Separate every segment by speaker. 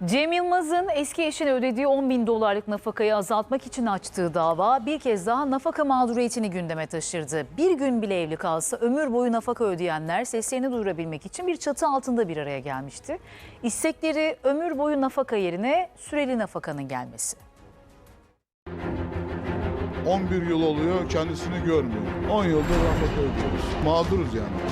Speaker 1: Cem Yılmaz'ın eski eşine ödediği 10.000 dolarlık nafakayı azaltmak için açtığı dava bir kez daha nafaka mağduriyetini gündeme taşırdı. Bir gün bile evli kalsa ömür boyu nafaka ödeyenler seslerini duyurabilmek için bir çatı altında bir araya gelmişti. İstekleri ömür boyu nafaka yerine süreli nafakanın gelmesi.
Speaker 2: 11 yıl oluyor kendisini görmüyor. 10 yıldır nafaka ödüyoruz. Mağduruz yani.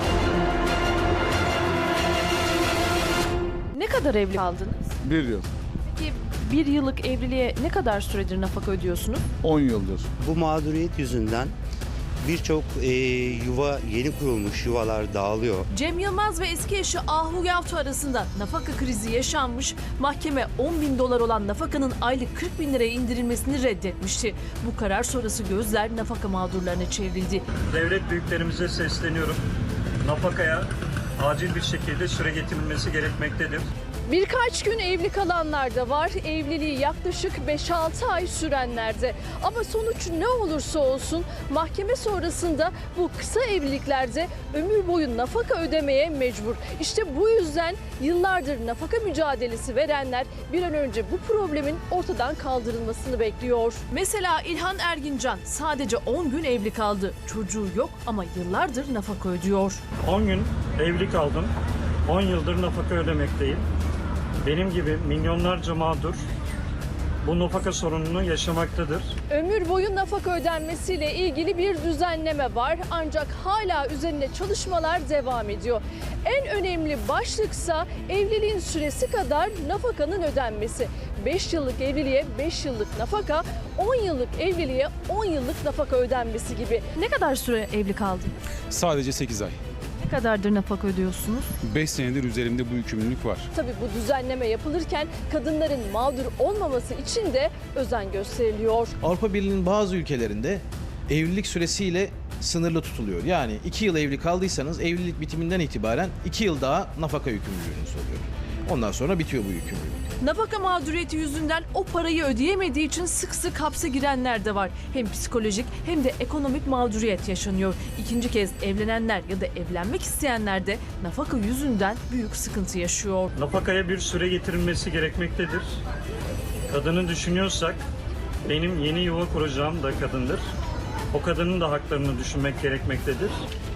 Speaker 3: Ne kadar evli kaldınız?
Speaker 2: 1 yıl,
Speaker 3: Peki bir yıllık evliliğe ne kadar süredir nafaka ödüyorsunuz?
Speaker 2: 10 yıldır.
Speaker 4: Bu mağduriyet yüzünden birçok yuva, yeni kurulmuş yuvalar dağılıyor.
Speaker 3: Cem Yılmaz ve eski eşi Ahu Yavtu arasında nafaka krizi yaşanmış. Mahkeme 10.000 dolar olan nafakanın aylık 40.000 liraya indirilmesini reddetmişti. Bu karar sonrası gözler nafaka mağdurlarına çevrildi.
Speaker 5: Devlet büyüklerimize sesleniyorum. Nafakaya acil bir şekilde süre getirilmesi gerekmektedir.
Speaker 6: Birkaç gün evli kalanlar da var, evliliği yaklaşık 5-6 ay sürenler de. Ama sonuç ne olursa olsun mahkeme sonrasında bu kısa evliliklerde ömür boyu nafaka ödemeye mecbur. İşte bu yüzden yıllardır nafaka mücadelesi verenler bir an önce bu problemin ortadan kaldırılmasını bekliyor.
Speaker 3: Mesela İlhan Ergincan sadece 10 gün evli kaldı. Çocuğu yok ama yıllardır nafaka ödüyor.
Speaker 5: 10 gün evli kaldım. 10 yıldır nafaka ödemekteyim. Benim gibi milyonlarca mağdur bu nafaka sorununu yaşamaktadır.
Speaker 6: Ömür boyu nafaka ödenmesiyle ilgili bir düzenleme var ancak hala üzerine çalışmalar devam ediyor. En önemli başlıksa evliliğin süresi kadar nafakanın ödenmesi. 5 yıllık evliliğe 5 yıllık nafaka, 10 yıllık evliliğe 10 yıllık nafaka ödenmesi gibi.
Speaker 3: Ne kadar süre evli kaldınız?
Speaker 7: Sadece 8 ay.
Speaker 3: Ne kadardır nafaka ödüyorsunuz?
Speaker 7: 5 senedir üzerimde bu yükümlülük var.
Speaker 6: Tabii bu düzenleme yapılırken kadınların mağdur olmaması için de özen gösteriliyor.
Speaker 8: Avrupa Birliği'nin bazı ülkelerinde evlilik süresiyle sınırlı tutuluyor. Yani 2 yıl evli kaldıysanız evlilik bitiminden itibaren 2 yıl daha nafaka yükümlülüğünüz oluyor. Ondan sonra bitiyor bu yükümlülük.
Speaker 3: Nafaka mağduriyeti yüzünden o parayı ödeyemediği için sık sık hapse girenler de var. Hem psikolojik hem de ekonomik mağduriyet yaşanıyor. İkinci kez evlenenler ya da evlenmek isteyenler de nafaka yüzünden büyük sıkıntı yaşıyor.
Speaker 5: Nafakaya bir süre getirilmesi gerekmektedir. Kadını düşünüyorsak benim yeni yuva kuracağım da kadındır. O kadının da haklarını düşünmek gerekmektedir.